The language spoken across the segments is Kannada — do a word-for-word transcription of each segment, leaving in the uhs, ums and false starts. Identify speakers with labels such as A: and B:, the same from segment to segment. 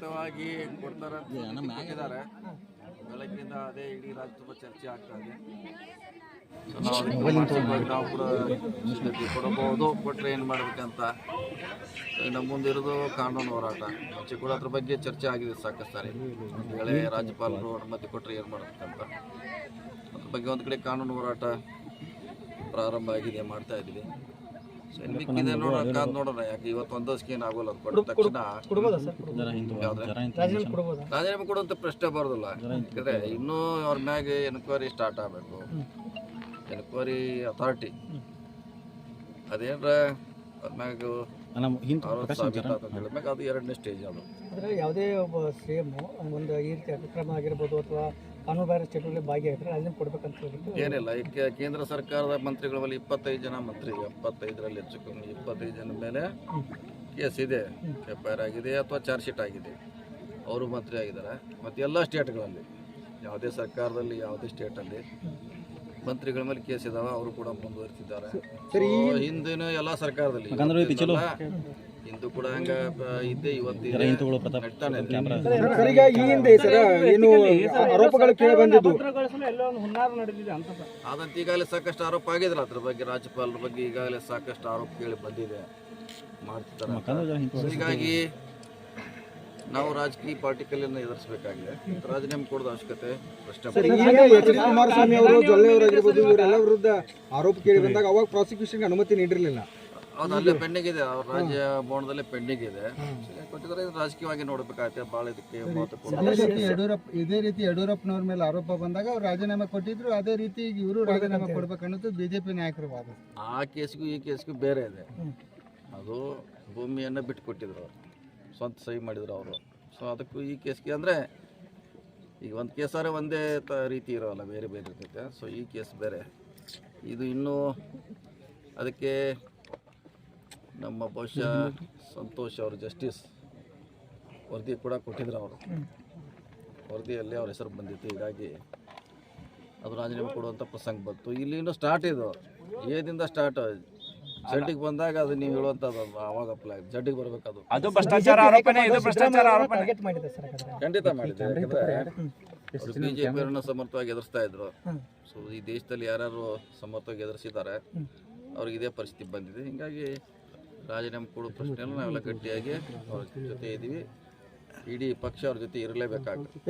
A: ಖಚಿತವಾಗಿ ಕೊಡ್ತಾರೆ ಕೊಟ್ಟಿದ್ದಾರೆ. ಬೆಳಗ್ಗಿಂದ ಅದೇ ಇಡೀ ರಾಜ್ಯ ತುಂಬ ಚರ್ಚೆ ಆಗ್ತಾ ಇದೆ. ಸೊ ನಾವು ಅದಕ್ಕೆ ಮಾನಸಿಕವಾಗಿ ನಾವು ಕೂಡ ಸ್ಥಿತಿ ಕೊಡಬಹುದು, ಕೊಟ್ಟರೆ ಏನು ಮಾಡಬೇಕಂತ. ನಮ್ಮ ಮುಂದಿರೋದು ಕಾನೂನು ಹೋರಾಟ. ಮುಂಚೆ ಕೂಡ ಅದ್ರ ಬಗ್ಗೆ ಚರ್ಚೆ ಆಗಿದೆ ಸಾಕಷ್ಟು ಸಾರಿ. ಒಂದು ವೇಳೆ ರಾಜ್ಯಪಾಲರು ಅನುಮತಿ ಕೊಟ್ಟರೆ ಏನು ಮಾಡಬೇಕಂತ ಅದ್ರ ಬಗ್ಗೆ ಒಂದು ಕಡೆ ಕಾನೂನು ಹೋರಾಟ ಪ್ರಾರಂಭ ಆಗಿದೆ, ಮಾಡ್ತಾ ಇದ್ದೀವಿ. ಸೊ ಇನ್ನು ಮಿಕ್ಕಿದೆ ನೋಡೋಣ, ಕಾದು ನೋಡೋಣ. ಯಾಕೆ ಇವತ್ತು ಒಂದಷ್ಟು ಏನು ಆಗೋಲ್ಲ, ಅದು ಕೊಟ್ಟ ತಕ್ಷಣ ರಾಜೀನಾಮೆ ಕೊಡುವಂಥ ಪ್ರಶ್ನೆ ಬರೋದಿಲ್ಲ. ಯಾಕಂದರೆ ಇನ್ನೂ ಅವ್ರ ಮ್ಯಾಗೆ ಎನ್ಕ್ವೈರಿ ಸ್ಟಾರ್ಟ್ ಆಗಬೇಕು. ಎನ್ಕ್ವೈರಿ ಅಥಾರಿಟಿ ಅದೇನ್ರ ಅವ್ರ ಮ್ಯಾಗ ಹೇಳಿದ್ಮ್ಯಾಗ ಅದು ಎರಡನೇ ಸ್ಟೇಜ್. ಅದು
B: ಅಂದರೆ ಯಾವುದೇ ಒಬ್ಬ ಸಿ ಎಮ್ ಒಂದು ಈ ರೀತಿ ಅತಿಕ್ರಮ ಆಗಿರ್ಬೋದು ಅಥವಾ ಕಾನೂನು ಬಾಹಿರ ಚಟುವಟಿಕೆ ಭಾಗಿಯಾಗಿದ್ರೆ ರಾಜೀನಾಮೆ ಕೊಡ್ಬೇಕಂತ ಹೇಳಿಬಿಟ್ಟು
A: ಏನಿಲ್ಲ. ಈಗ ಕೇಂದ್ರ ಸರ್ಕಾರದ ಮಂತ್ರಿಗಳ ಮೇಲೆ ಇಪ್ಪತ್ತೈದು ಜನ ಮಂತ್ರಿ, ಎಪ್ಪತ್ತೈದರಲ್ಲಿ ಹೆಚ್ಚು ಕಮ್ಮಿ ಇಪ್ಪತ್ತೈದು ಜನ ಮೇಲೆ ಕೇಸ್ ಇದೆ, ಎಫ್ ಐ ಆರ್ ಆಗಿದೆ ಅಥವಾ ಚಾರ್ಜ್ ಶೀಟ್ ಆಗಿದೆ. ಅವರು ಮಂತ್ರಿ ಆಗಿದ್ದಾರೆ. ಮತ್ತು ಎಲ್ಲ ಸ್ಟೇಟ್ಗಳಲ್ಲಿ, ಯಾವುದೇ ಸರ್ಕಾರದಲ್ಲಿ ಯಾವುದೇ ಸ್ಟೇಟಲ್ಲಿ ಮಂತ್ರಿಗಳ ಮೇಲೆ ಕೇಸ್ ಇದಾವೆ, ಅವರು ಕೂಡ ಮುಂದುವರಿಸಿದ್ದಾರೆ. ಹಿಂದಿನ ಎಲ್ಲ ಸರ್ಕಾರದಲ್ಲಿ ಹಿಂದೂ ಕೂಡ ಹಂಗ ಇದ್ದೇ ಇವತ್ತು ಆದಂತ ಈಗಾಗಲೇ ಸಾಕಷ್ಟು ಆರೋಪ ಆಗಿದ್ರೆ ಅದ್ರ ಬಗ್ಗೆ, ರಾಜ್ಯಪಾಲರ ಬಗ್ಗೆ ಈಗಾಗಲೇ ಸಾಕಷ್ಟು ಆರೋಪ ಕೇಳಿ ಬಂದಿದೆ, ಮಾಡ್ತಿದ್ದಾರೆ. ಹೀಗಾಗಿ ನಾವು ರಾಜಕೀಯ ಪಾರ್ಟಿಕಲನ್ನು ಎದುರಿಸಬೇಕಾಗಿದೆ. ರಾಜೀನಾಮೆ ಕೊಡೋದು ಅವಶ್ಯಕತೆ ಪ್ರಶ್ನೆ.
B: ಕುಮಾರಸ್ವಾಮಿ ಅವರು ಜೊಲ್ಲೆ ಅವರಾಗಿರ್ಬೋದು ಇವರೆಲ್ಲ ವಿರುದ್ಧ ಆರೋಪ ಕೇಳಿ ಬಂದಾಗ ಅವಾಗ ಪ್ರಾಸಿಕ್ಯೂಷನ್ಗೆ ಅನುಮತಿ ನೀಡಿರಲಿಲ್ಲ.
A: ಹೌದು, ಅಲ್ಲೇ ಪೆಂಡಿಂಗ್ ಇದೆ, ಅವ್ರ ರಾಜ್ಯ ಭವನದಲ್ಲೇ ಪೆಂಡಿಂಗ್ ಇದೆ. ಕೊಟ್ಟಿದ್ದಾರೆ, ರಾಜಕೀಯವಾಗಿ ನೋಡಬೇಕಾಗುತ್ತೆ. ಭಾಳ ಇದಕ್ಕೆ
C: ಯಡಿಯೂರಪ್ಪ ಇದೇ ರೀತಿ ಯಡಿಯೂರಪ್ಪನವ್ರ ಮೇಲೆ ಆರೋಪ ಬಂದಾಗ ಅವ್ರು ರಾಜೀನಾಮೆ ಕೊಟ್ಟಿದ್ರು, ಅದೇ ರೀತಿ ಇವರು ರಾಜೀನಾಮೆ ಕೊಡ್ಬೇಕನ್ನೋದು ಬಿಜೆಪಿ ನಾಯಕರ ವಾದ.
A: ಆ ಕೇಸ್ಗೂ ಈ ಕೇಸ್ಗೂ ಬೇರೆ ಇದೆ. ಅದು ಭೂಮಿಯನ್ನು ಬಿಟ್ಟು ಕೊಟ್ಟಿದ್ರು, ಅವರು ಸ್ವಂತ ಸಹಿ ಮಾಡಿದ್ರು ಅವರು. ಸೊ ಅದಕ್ಕೂ ಈ ಕೇಸ್ಗೆ ಅಂದರೆ ಈಗ ಒಂದು ಕೇಸಾರೆ ಒಂದೇ ತ ರೀತಿ ಇರೋಲ್ಲ, ಬೇರೆ ಬೇರೆ ಇರ್ತೈತೆ. ಸೊ ಈ ಕೇಸ್ ಬೇರೆ, ಇದು ಇನ್ನೂ ಅದಕ್ಕೆ ನಮ್ಮ ಬಹುಶಃ ಸಂತೋಷ್ ಅವರು ಜಸ್ಟಿಸ್ ವರದಿ ಕೂಡ ಕೊಟ್ಟಿದ್ರು. ಅವರು ವರದಿಯಲ್ಲಿ ಅವ್ರ ಹೆಸರು ಬಂದಿತ್ತು. ಹೀಗಾಗಿ ಅದು ರಾಜೀನಾಮೆ ಕೊಡುವಂಥ ಪ್ರಸಂಗ ಬಂತು. ಇಲ್ಲಿ ಇನ್ನೂ ಸ್ಟಾರ್ಟ್ ಇದು, ಏದಿಂದ ಸ್ಟಾರ್ಟ್. ಜಡ್ಡಿಗೆ ಬಂದಾಗ ಅದು ನೀವು ಹೇಳುವಂಥದ್ದು ಅವಾಗ ಅಪ್ಲೈ ಜಡ್ಡಿಗೆ ಬರಬೇಕದು.
D: ಅದು ಭ್ರಷ್ಟಾಚಾರ ಆರೋಪನೆ, ಇದು ಭ್ರಷ್ಟಾಚಾರ ಆರೋಪನೆ
A: ಖಂಡಿತ ಮಾಡಿದೆ. ಯಾಕಂದರೆ ಅವರು ಬಿ ಜೆ ಪಿಯವರನ್ನು ಸಮರ್ಥವಾಗಿ ಎದುರಿಸ್ತಾ ಇದ್ರು. ಸೊ ಈ ದೇಶದಲ್ಲಿ ಯಾರ್ಯಾರು ಸಮರ್ಥವಾಗಿ ಎದುರಿಸಿದ್ದಾರೆ ಅವ್ರಿಗೆ ಇದೇ ಪರಿಸ್ಥಿತಿ ಬಂದಿದೆ. ಹೀಗಾಗಿ ರಾಜೀನಾಮೆ ಕೊಡೋ ಪ್ರಶ್ನೆಯನ್ನು ನಾವೆಲ್ಲ ಗಟ್ಟಿಯಾಗಿ ಅವ್ರ ಜೊತೆ ಇದ್ದೀವಿ. ಇಡೀ ಪಕ್ಷ ಅವ್ರ ಜೊತೆ ಇರಲೇಬೇಕಾಗುತ್ತೆ.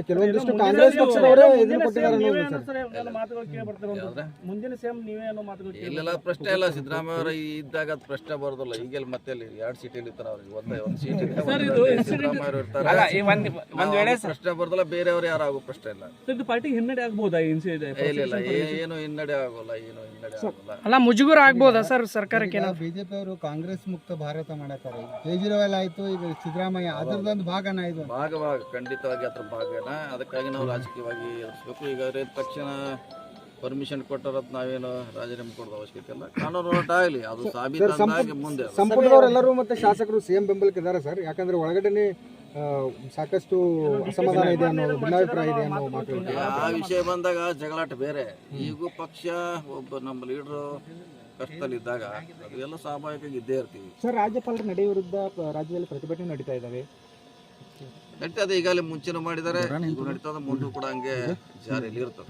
A: ಇಲ್ಲೆಲ್ಲ ಪ್ರಶ್ನೆ ಇಲ್ಲ, ಸಿದ್ದರಾಮಯ್ಯ ಅವರ ಇದ್ದಾಗ ಅದು ಪ್ರಶ್ನೆ ಬರೋದಿಲ್ಲ. ಈಗೆಲ್ಲ ಮತ್ತೆ ಎರಡು ಸೀಟಲ್ಲಿ ಇರ್ತಾರೆ, ಅವ್ರಿಗೆ ಒಂದೇ ಒಂದು ಸೀಟ್ ಇದೆ, ಸಿದ್ದರಾಮಯ್ಯ ಅವರು ಇರ್ತಾರೆ, ಪ್ರಶ್ನೆ ಬರೋದಿಲ್ಲ. ಬೇರೆಯವರು ಯಾರು ಆಗೋ ಪ್ರಶ್ನೆ ಇಲ್ಲ.
B: ಪಾರ್ಟಿಗೆ ಹಿನ್ನಡೆ ಆಗ್ಬೋದಾ?
A: ಇಲ್ಲ, ಏನು ಹಿನ್ನಡೆ ಆಗೋಲ್ಲ, ಏನು ಹಿನ್ನಡೆ ಆಗೋಲ್ಲ.
B: ಅಲ್ಲ, ಮುಜುಗರ ಆಗ್ಬೋದಾ ಸರ್ ಸರ್ಕಾರಕ್ಕೆ?
C: ಬಿಜೆಪಿ ಅವರು ಕಾಂಗ್ರೆಸ್ ಮುಕ್ತ ಭಾರತ ಮಾಡತಾರೆ. ಕೇಜ್ರಿವಾಲ್ ಆಯ್ತು, ಈಗ ಸಿದ್ದರಾಮಯ್ಯ ಅದರದೊಂದು ಭಾಗನ ಇದು
A: ಭಾಗವಾಗ ಖಂಡಿತವಾಗಿ ಅದ್ರ ಭಾಗನ. ಅದಕ್ಕಾಗಿ ನಾವು ರಾಜಕೀಯವಾಗಿ ಎದುರಿಸ್ಬೇಕು. ಈಗ ತಕ್ಷಣ ಪರ್ಮಿಷನ್ ಕೊಟ್ಟರತ್ ನಾವೇನು ರಾಜೀನಾಮೆ ಕೊಡೋದು ಅವಶ್ಯಕತೆ ಇಲ್ಲ. ಕಾನೂನು ಹೋರಾಟ ಆಗಲಿ, ಅದು ಸಾಬೀತಾಗಿ ಮುಂದೆ.
C: ಸಂಪುಟದವರೆಲ್ಲರೂ ಮತ್ತೆ ಶಾಸಕರು ಸಿಎಂ ಬೆಂಬಲಕ್ಕೆ ಇದ್ದಾರೆ ಸರ್. ಯಾಕಂದ್ರೆ ಒಳಗಡೆ ಸಾಕಷ್ಟು ಅಸಮಾಧಾನ ಇದೆ ಅನ್ನೋ ಭಿನ್ನಾಭಿಪ್ರಾಯ ಇದೆ ಅನ್ನೋ ಮಾತು.
A: ಆ ವಿಷಯ ಬಂದಾಗ ಜಗಳಾಟ ಬೇರೆ. ಈಗೂ ಪಕ್ಷ ಒಬ್ಬ ನಮ್ಮ ಲೀಡರು ಕಷ್ಟದಲ್ಲಿದ್ದಾಗ ಅದು ಎಲ್ಲ ಸ್ವಾಭಾವಿಕವಾಗಿ ಇದ್ದೇ ಇರ್ತೀವಿ.
B: ಸರ್, ರಾಜ್ಯಪಾಲರ ನಡೆ ವಿರುದ್ಧ ರಾಜ್ಯದಲ್ಲಿ ಪ್ರತಿಭಟನೆ ನಡೀತಾ ಇದ್ದಾವೆ.
A: ನಡೀತದೆ, ಈಗಾಗಲೇ ಮುಂಚೆನೂ ಮಾಡಿದ್ದಾರೆ, ಈಗ ನಡೀತದೆ, ಮುಂದೂ ಕೂಡ ಹಂಗೆ ಜಾರಿಯಲ್ಲಿ ಇರ್ತದೆ.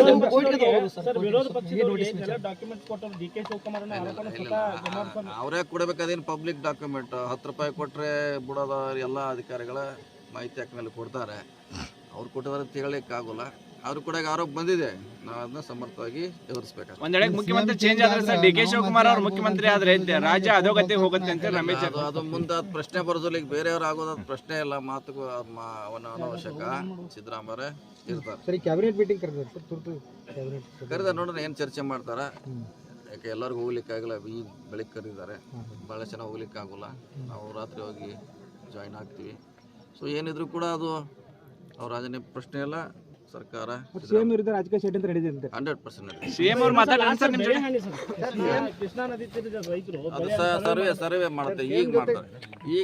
A: ಅವರೇ ಕೊಡಬೇಕು, ಅದೇನು ಪಬ್ಲಿಕ್ ಡಾಕ್ಯುಮೆಂಟ್. ಹತ್ತು ರೂಪಾಯಿ ಕೊಟ್ಟರೆ ಬಿಡೋದ ಎಲ್ಲ ಅಧಿಕಾರಿಗಳ ಮಾಹಿತಿ ಹಾಕ ಮೇಲೆ ಕೊಡ್ತಾರೆ. ಅವ್ರು ಕೊಟ್ಟಿದ್ದಾರೆ ಅಂತ ಹೇಳಲಿಕ್ಕೆ ಆಗೋಲ್ಲ. ಅವ್ರು ಕೂಡ ಆರೋಪ ಬಂದಿದೆ, ನಾವು ಅದನ್ನ ಸಮರ್ಥವಾಗಿ ಎದುರಿಸಬೇಕು.
D: ಒಂದ್ ವೇಳೆ ಮುಖ್ಯಮಂತ್ರಿ ಚೇಂಜ್ ಆದ್ರೆ ಸರ್, ಡಿ ಕೆ ಶಿವಕುಮಾರ್ ಅವರು ಮುಖ್ಯಮಂತ್ರಿ ಆದ್ರೆ ರಾಜ್ಯ ಅಧೋಗತಿ ಹೋಗುತ್ತೆ ಅಂತ ರಮೇಶ್
A: ಅದು ಅದು ಮುಂದೆ ಅದು ಪ್ರಶ್ನೆ ಬರೋದಿಲ್ಲ. ಈಗ ಬೇರೆಯವ್ರು ಆಗೋದು ಪ್ರಶ್ನೆ ಇಲ್ಲ, ಮಾತುಗೂ ಅವನ ಅನವಶ್ಯಕ. ಸಿದ್ದರಾಮಯ್ಯ ಇರ್ತಾರೆ.
C: ಸರಿ, ಕ್ಯಾಬಿನೆಟ್ ಮೀಟಿಂಗ್ ಕರೆದ ಸರ್, ತುರ್ತು
A: ಕರೆದ ನೋಡೋಣ ಏನು ಚರ್ಚೆ ಮಾಡ್ತಾರ. ಯಾಕೆ ಎಲ್ಲರಿಗೂ ಹೋಗ್ಲಿಕ್ಕೆ ಆಗಲ್ಲ, ಈಗ ಬೆಳಿಗ್ಗೆ ಕರೆದಿದ್ದಾರೆ, ಭಾಳ ಚೆನ್ನಾಗಿ ಹೋಗ್ಲಿಕ್ಕೆ ಆಗೋಲ್ಲ. ನಾವು ರಾತ್ರಿ ಹೋಗಿ ಜಾಯಿನ್ ಆಗ್ತೀವಿ. ಸೊ ಏನಿದ್ರು ಕೂಡ ಅದು ಅವ್ರ ರಾಜೀನಾಮೆ ಪ್ರಶ್ನೆ ಇಲ್ಲ. ಸರ್ಕಾರ
B: ಸಿಎಂ ವಿರುದ್ಧ ರಾಜಕೀಯ ಷಡ್ಯಂತ್ರ ನಡೆದಿದೆ.
A: ಹಂಡ್ರೆಡ್ ಪರ್ಸೆಂಟ್
D: ಸಿಎಂ ಅವ್ರು ಮಾತಾಡ್ತಾರೆ ಸರ್ ನಿಮ್ಮ ಜೊತೆ.
B: ಕೃಷ್ಣಾ ನದಿ ತೀರದ ರೈತರು
A: ಅದು ಸರ್ವೆ ಸರ್ವೆ ಮಾಡ್ತಾರೆ, ಈಗ ಮಾಡ್ತಾರೆ. ಈಗ